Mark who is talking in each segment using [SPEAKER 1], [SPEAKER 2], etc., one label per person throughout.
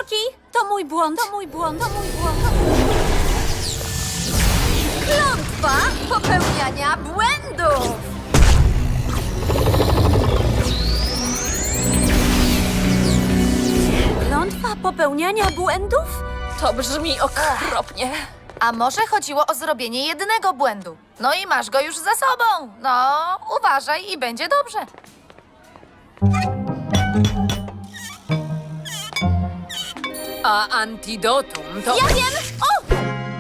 [SPEAKER 1] Sorki, to mój błąd. To mój błąd.
[SPEAKER 2] Klątwa popełniania błędów!
[SPEAKER 1] Klątwa popełniania błędów?
[SPEAKER 2] To brzmi okropnie. A może chodziło o zrobienie jednego błędu? No i masz go już za sobą. No, uważaj i będzie dobrze.
[SPEAKER 3] A antidotum to...
[SPEAKER 2] Ja wiem! O!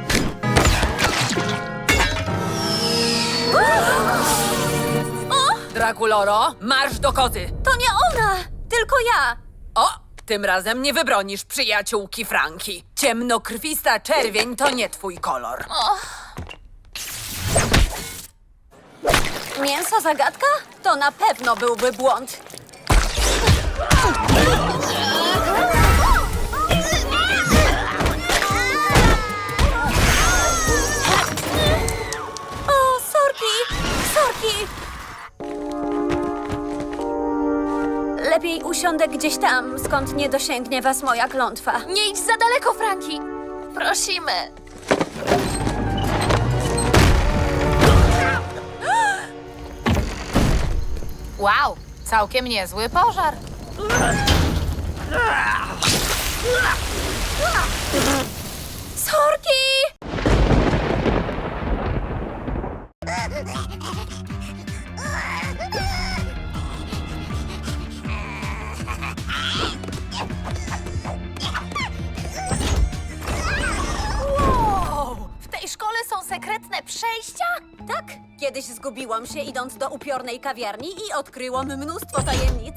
[SPEAKER 3] Drakuloro, marsz do koty!
[SPEAKER 1] To nie ona, tylko ja.
[SPEAKER 3] O, tym razem nie wybronisz przyjaciółki Franki. Ciemnokrwista czerwień to nie twój kolor.
[SPEAKER 1] Mięso zagadka? To na pewno byłby błąd. O, sorki! Lepiej usiądę gdzieś tam, skąd nie dosięgnie was moja klątwa.
[SPEAKER 2] Nie idź za daleko, Franki! Prosimy. Wow, całkiem niezły pożar.
[SPEAKER 1] Sorki!
[SPEAKER 2] Wow, w tej szkole są sekretne przejścia?
[SPEAKER 1] Tak, kiedyś zgubiłam się idąc do upiornej kawiarni i odkryłam mnóstwo tajemnic.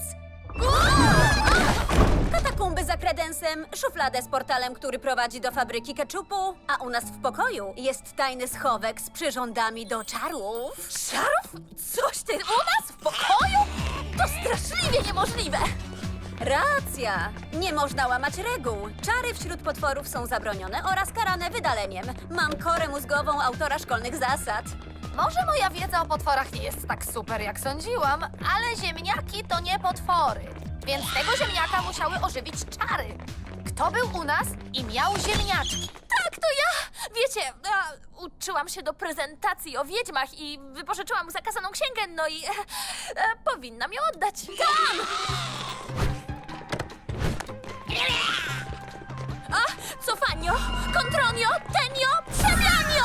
[SPEAKER 1] Katakumby za kredensem, szufladę z portalem, który prowadzi do fabryki keczupu, a u nas w pokoju jest tajny schowek z przyrządami do czarów.
[SPEAKER 2] Czarów? Coś ty u nas w pokoju? To straszliwie niemożliwe.
[SPEAKER 1] Racja! Nie można łamać reguł. Czary wśród potworów są zabronione oraz karane wydaleniem. Mam korę mózgową autora szkolnych zasad.
[SPEAKER 2] Może moja wiedza o potworach nie jest tak super, jak sądziłam, ale ziemniaki to nie potwory. Więc tego ziemniaka musiały ożywić czary. Kto był u nas i miał ziemniaczki? Tak, to ja! Wiecie, uczyłam się do prezentacji o wiedźmach i wypożyczyłam zakazaną księgę, no i powinnam ją oddać. Tam! Cofanio, kontronio, tenio, przemianio!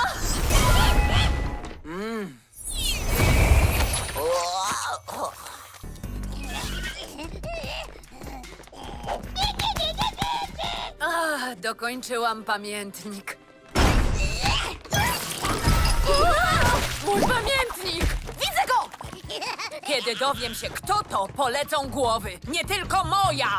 [SPEAKER 3] Dokończyłam pamiętnik.
[SPEAKER 2] Mój pamiętnik! Widzę go!
[SPEAKER 3] Kiedy dowiem się, kto to, polecą głowy. Nie tylko moja!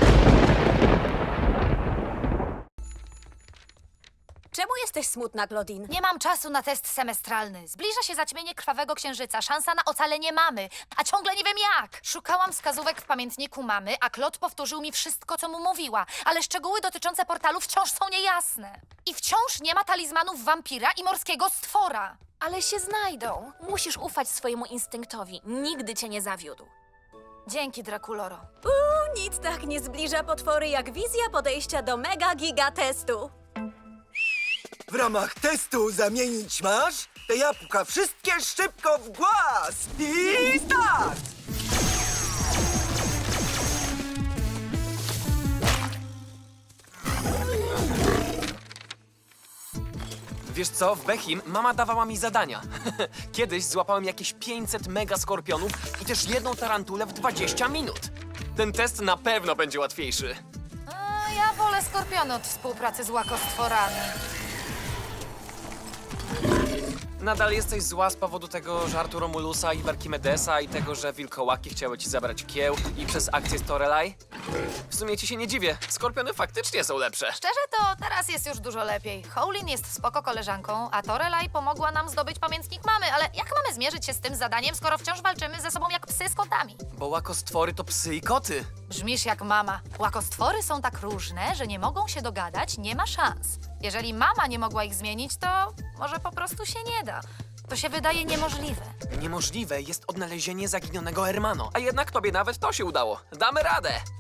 [SPEAKER 1] Czemu jesteś smutna, Claudine?
[SPEAKER 2] Nie mam czasu na test semestralny. Zbliża się zaćmienie krwawego księżyca. Szansa na ocalenie mamy, a ciągle nie wiem jak. Szukałam wskazówek w pamiętniku mamy, a Claude powtórzył mi wszystko, co mu mówiła. Ale szczegóły dotyczące portalu wciąż są niejasne. I wciąż nie ma talizmanów wampira i morskiego stwora. Ale się znajdą. Musisz ufać swojemu instynktowi. Nigdy cię nie zawiódł. Dzięki, Drakuloro.
[SPEAKER 1] Nic tak nie zbliża potwory jak wizja podejścia do mega giga testu.
[SPEAKER 4] W ramach testu zamienić masz te jabłka wszystkie szybko w głaz i start!
[SPEAKER 5] Wiesz co, w Behim mama dawała mi zadania. Kiedyś złapałem jakieś 500 mega skorpionów i też jedną tarantulę w 20 minut. Ten test na pewno będzie łatwiejszy.
[SPEAKER 2] Ja wolę skorpiony od współpracy z łakostworami.
[SPEAKER 5] Nadal jesteś zła z powodu tego żartu Romulusa i Barkimedesa i tego, że wilkołaki chciały ci zabrać kieł i przez akcję Storelaj? W sumie ci się nie dziwię. Skorpiony faktycznie są lepsze.
[SPEAKER 2] Szczerze to teraz jest już dużo lepiej. Howlin jest spoko koleżanką, a Torelaj pomogła nam zdobyć pamiętnik mamy, ale jak mamy zmierzyć się z tym zadaniem, skoro wciąż walczymy ze sobą jak psy z kotami?
[SPEAKER 5] Bo łakostwory to psy i koty.
[SPEAKER 2] Brzmisz jak mama. Łakostwory są tak różne, że nie mogą się dogadać, nie ma szans. Jeżeli mama nie mogła ich zmienić, to może po prostu się nie da. To się wydaje niemożliwe.
[SPEAKER 5] Niemożliwe jest odnalezienie zaginionego Hermano, a jednak tobie nawet to się udało. Damy radę!